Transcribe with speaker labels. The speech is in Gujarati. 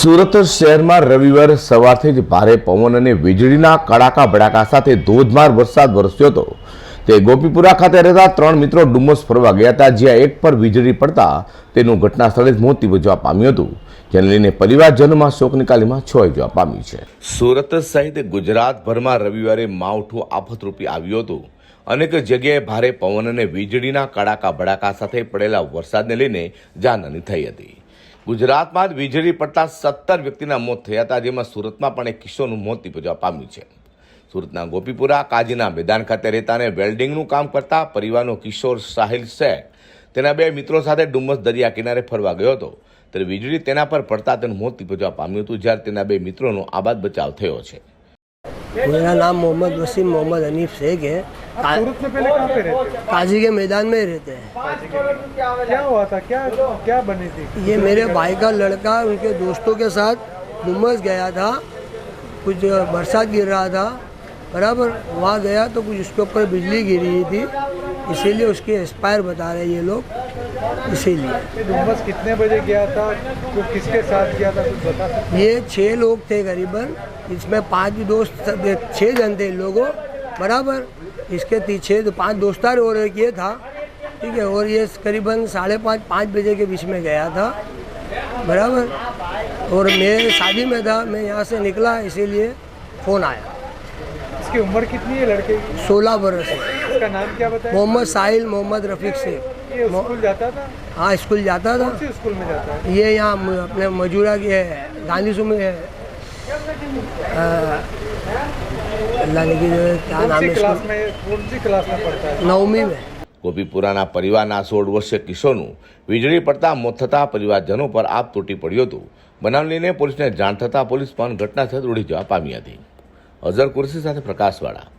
Speaker 1: સુરત શહેરમાં રવિવાર સવારથી જ ભારે પવન અને વીજળીના કડાકા ભડાકા સાથે ધોધમાર વરસાદ વરસ્યો હતો। તે ગોપીપુરા ખાતે રહેતા 3 મિત્રો ડુમસ ફરવા ગયા હતા, જ્યાં એક પર વીજળી પડતા તેનું ઘટના સ્થળે જ મોત નિપજવા પામ્યું હતું, જેને લઈને પરિવારજનોમાં શોકની કાલીમાં છવાઈ જવા પામી છે। સુરત સહિત ગુજરાતભરમાં રવિવારે માવઠું આફતરૂપી આવ્યું હતું। અનેક જગ્યાએ ભારે પવન અને વીજળીના કડાકા ભડાકા સાથે પડેલા વરસાદને લઈને જાનહાની થઈ હતી। ગુજરાતમાં જ વીજળી પડતા 17 વ્યક્તિના મોત થયા હતા, જેમાં સુરતમાં પણ એક કિશોરનું મોત નિપજવા પામ્યું છે। સુરતના ગોપીપુરા કાજીના મેદાન ખાતે રહેતા અને વેલ્ડિંગનું કામ કરતા પરિવારનો કિશોર સાહિલ શેખ તેના 2 મિત્રો સાથે ડુમસ દરિયા કિનારે ફરવા ગયો હતો, ત્યારે વીજળી તેના પર પડતા તેનું મોત નિપજવા પામ્યું હતું, જ્યારે તેના 2 મિત્રોનો આબાદ બચાવ થયો છે।
Speaker 2: मेरा नाम मोहम्मद वसीम मोहम्मद हनीफ शेख है।
Speaker 3: सूरत में पहले कहाँ पे रहते थे?
Speaker 2: काजी के मैदान में रहते हैं।
Speaker 3: क्या हुआ था? क्या बनी थी?
Speaker 2: ये मेरे भाई का लड़का उनके दोस्तों के साथ डुमस गया था। कुछ बरसात गिर रहा था, बराबर वहाँ गया तो कुछ उसके ऊपर बिजली गिरी थी, इसीलिए उसके एक्सपायर बता रहे ये लोग। इसीलिए
Speaker 3: डुमस कितने बजे गया था? तो किसके साथ गया था, कुछ बता सकते?
Speaker 2: ये 6 लोग थे करीबन, इसमें 5 दोस्त 6 जन थे इन लोगों, बराबर। इसके 5 दोस्तार और एक ये था, ठीक है। और ये करीबन 5:30 बजे के बीच में गया था, बराबर। और मैं शादी में था, मैं यहाँ से निकला, इसीलिए फ़ोन आया।
Speaker 3: इसकी उम्र कितनी है लड़के की?
Speaker 2: 16 बरस है।
Speaker 3: इसका नाम क्या बताया?
Speaker 2: मोहम्मद साहिल मोहम्मद रफ़ीक शेख।
Speaker 3: ये स्कूल जाता था?
Speaker 2: हाँ, स्कूल जाता था।
Speaker 3: कौन सी स्कूल में जाता है?
Speaker 2: ये यहाँ अपने मजूरा के गांधी सू में है, अल्लाह ने की क्या नाम है,
Speaker 3: कौन सी क्लास में पढ़ता है?
Speaker 2: 9वीं में।
Speaker 1: ગોપીપુરાના પરિવારના 16 વર્ષીય કિશોરનું વીજળી પડતા મોત થતા પરિવારજનો પર આપ તૂટી પડ્યું હતું। બનાવ લઈને પોલીસને જાણ થતાં પોલીસ પણ ઘટના સ્થળે દોડી જવા પામી હતી। અઝર કુરશી સાથે પ્રકાશવાળા।